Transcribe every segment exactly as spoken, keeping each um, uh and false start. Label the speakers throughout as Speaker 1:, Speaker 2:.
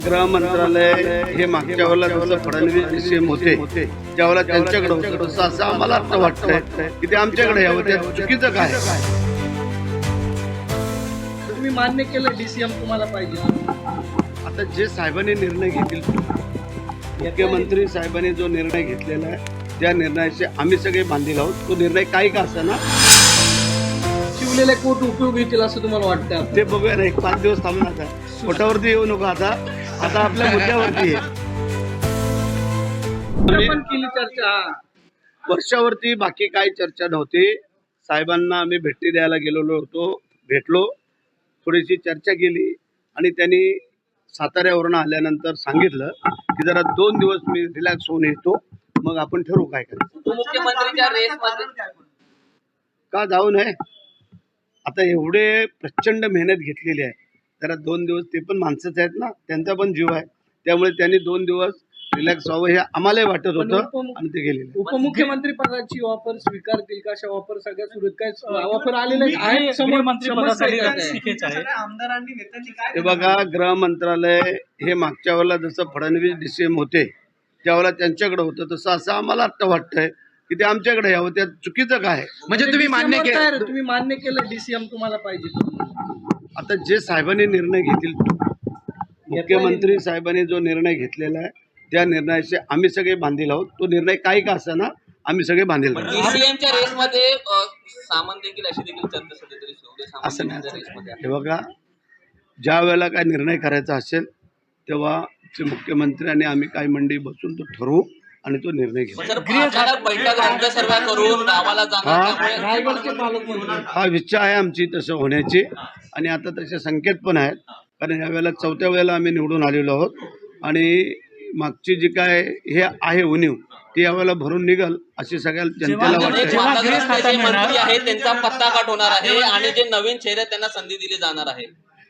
Speaker 1: गृह मंत्रालय हे मागच्या वेळेला जसं फडणवीस सीएम होते त्यावेळेला त्यांच्याकडे होतं तसं असं आम्हाला आता वाटतंय की ते आमच्याकडे यावं. त्या चुकीचं काय?
Speaker 2: तुम्ही मान्य केलं डीसीएम तुम्हाला पाहिजे.
Speaker 1: आता जे साहेबांनी निर्णय घेतील, मुख्यमंत्री साहेबांनी जो निर्णय घेतलेला आहे त्या निर्णयाचे आम्ही सगळे बांधील आहोत. तो निर्णय काही का असेना
Speaker 2: शिवलेले कोट उपयोग येतील असं तुम्हाला वाटतं?
Speaker 1: ते बघूया ना. एक पाच दिवस थांबून आता कोटावरती येऊ नको. आता आता आपल्या मुद्द्यावरती आहे.
Speaker 2: पण केली चर्चा.
Speaker 1: वर्षावरती बाकी काही चर्चा नव्हती. साहेबांना आम्ही भेटी द्यायला गेलेलो होतो, भेटलो, थोडीशी चर्चा केली आणि त्यांनी साताऱ्यावरून आल्यानंतर सांगितलं की जरा दोन दिवस मी रिलॅक्स होऊन येतो, मग आपण ठरवू काय करायचं.
Speaker 3: मुख्यमंत्रीच्या रेसमध्ये
Speaker 1: का जाऊ नये? आता एवढे प्रचंड मेहनत घेतलेली आहे, जरा दोन दिवस ते पण माणसंच आहेत ना, त्यांचा पण जीव आहे, त्यामुळे त्यांनी दोन दिवस रिलॅक्स व्हावं हे आम्हालाही वाटत होतं आणि ते गेलेले.
Speaker 2: उपमुख्यमंत्री पदाची ऑफर स्वीकारतील का? अशा ऑफर सगळ्या सुरू काय ऑफर आलेले आहे? समोर मंत्रिपदासाठी आमदारांनी नेत्यांनी काय
Speaker 1: हे बघा, गृह मंत्रालय हे मागच्या वेळेला जसं फडणवीस डीसीएम होते त्यावेळेला त्यांच्याकडे होतं तसं असं आम्हाला आता वाटतंय की ते आमच्याकडे यावं. त्या चुकीचं काय?
Speaker 2: म्हणजे तुम्ही मान्य केलं तुम्ही मान्य केलं डीसीएम तुम्हाला पाहिजे.
Speaker 1: आता जे साहेबांनी निर्णय घेतील, मुख्यमंत्री साहेबांनी जो निर्णय घेतलेला आहे त्या निर्णयाचे आम्ही सगळे बांधील आहोत. तो निर्णय काही का असेना आम्ही सगळे बांधील आहोत.
Speaker 3: डीसीएमच्या रेसमध्ये सामंत देखील अशी देखील चर्चा सुरू होती. शिवले
Speaker 1: असं नाही.
Speaker 3: सामंत रेसमध्ये
Speaker 1: हे बघा, ज्या वेळेला काय निर्णय करायचा असेल तेव्हा ते मुख्यमंत्री आणि आम्ही काही मंडळी बसून तो ठरवू आणि तो निर्णय घेऊ.
Speaker 3: अचानक बैठक रंग सर्व करून गावाला जाणार
Speaker 2: रायगडचे पालकमंत्री
Speaker 1: हा इच्छा आहे आमची तसं होण्याची आणि आता तसे संकेत पण आहेत. कारण यावेळेला चौथ्या वेळेला आम्ही निवडून आलेलो आहोत आणि मागची जी काय हे आहे उणीव ती यावेळेला भरून निघल अशी सगळ्या जनतेला वाटते.
Speaker 3: मंत्री आहे त्यांचा पत्ता काट होणार आहे आणि जे नवीन चेहरे त्यांना संधी दिली जाणार आहे.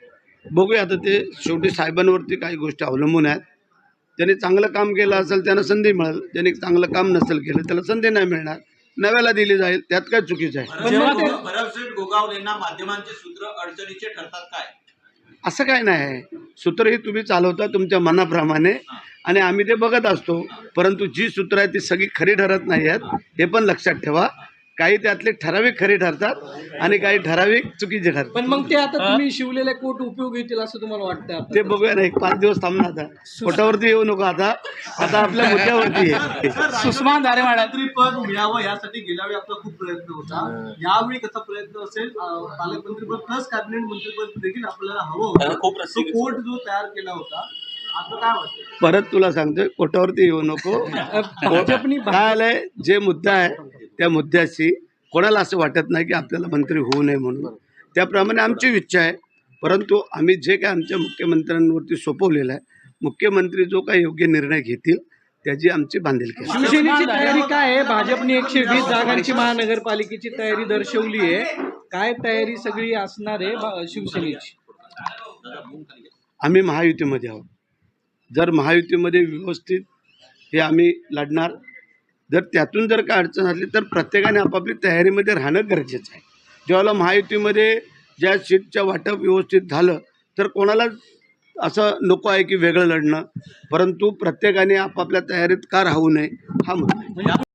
Speaker 1: बघूया, आता ते शेवटी साहेबांवरती काही गोष्टी अवलंबून आहेत. ज्यांनी चांगलं काम केलं असेल त्यांना संधी मिळेल, ज्यांनी चांगलं काम नसेल केलं त्याला संधी नाही मिळणार, नव्याला दिली जाईल. त्यात काय चुकीचं आहे?
Speaker 4: भरमसेठ गोगावलेंना माध्यमांचे सूत्र अडचणीचे ठरतात काय?
Speaker 1: असं काय नाही. सूत्र ही तुम्ही चालवता तुमच्या मनाप्रमाणे आणि आम्ही ते बघत असतो, परंतु जी सूत्र आहेत ती सगळी खरी ठरत नाही आहेत हे पण लक्षात ठेवा. काही त्यातले ठराविक खरी ठरतात आणि काही ठराविक चुकीचे ठरतात.
Speaker 2: पण मग ते आता तुम्ही शिवलेले कोट उपयोग येतील असं तुम्हाला वाटतं?
Speaker 1: ते बघूया ना. एक पाच दिवस थांबणार. आता कोटावरती येऊ नको. आता आता आपल्या मुद्द्यावरती आहे.
Speaker 2: सुषमा दारेवाडा
Speaker 5: पद मिळावं यासाठी गेल्या वेळी आपला खूप प्रयत्न होता. यावेळी कसा प्रयत्न असेल? पालकमंत्रीपद प्लस कॅबिनेट मंत्रीपद देखील आपल्याला हवं होतं. तो कोट जो तयार केला होता, आता काय वाटतं?
Speaker 1: परत तुला सांगतोय, कोटावरती येऊ नको. काय आलंय, जे मुद्दा आहे त्या मुद्द्याशी कोणाला असं वाटत नाही की आपल्याला मंत्री होऊ नये म्हणून. त्याप्रमाणे आमची इच्छा आहे, परंतु आम्ही जे काय आमच्या मुख्यमंत्र्यांवरती सोपवलेलं आहे, मुख्यमंत्री जो काही योग्य निर्णय घेतील त्याची आमची बांधिलकी आहे.
Speaker 2: शिवसेनेची तयारी काय आहे? भाजपने एकशे वीस जागांची महानगरपालिकेची तयारी दर्शवली आहे. काय तयारी सगळी असणार आहे शिवसेनेची?
Speaker 1: आम्ही महायुतीमध्ये आहोत. जर महायुतीमध्ये व्यवस्थित हे आम्ही लढणार. जर त्यातून जर काय अडचण असली तर प्रत्येकाने आपापली तयारीमध्ये राहणं गरजेचं आहे. जेव्हा महायुतीमध्ये ज्या सीटचं वाटप व्यवस्थित झालं तर कोणाला असं नको आहे की वेगळं लढणं, परंतु प्रत्येकाने आपापल्या तयारीत का राहू नये हा मुद्दा आहे.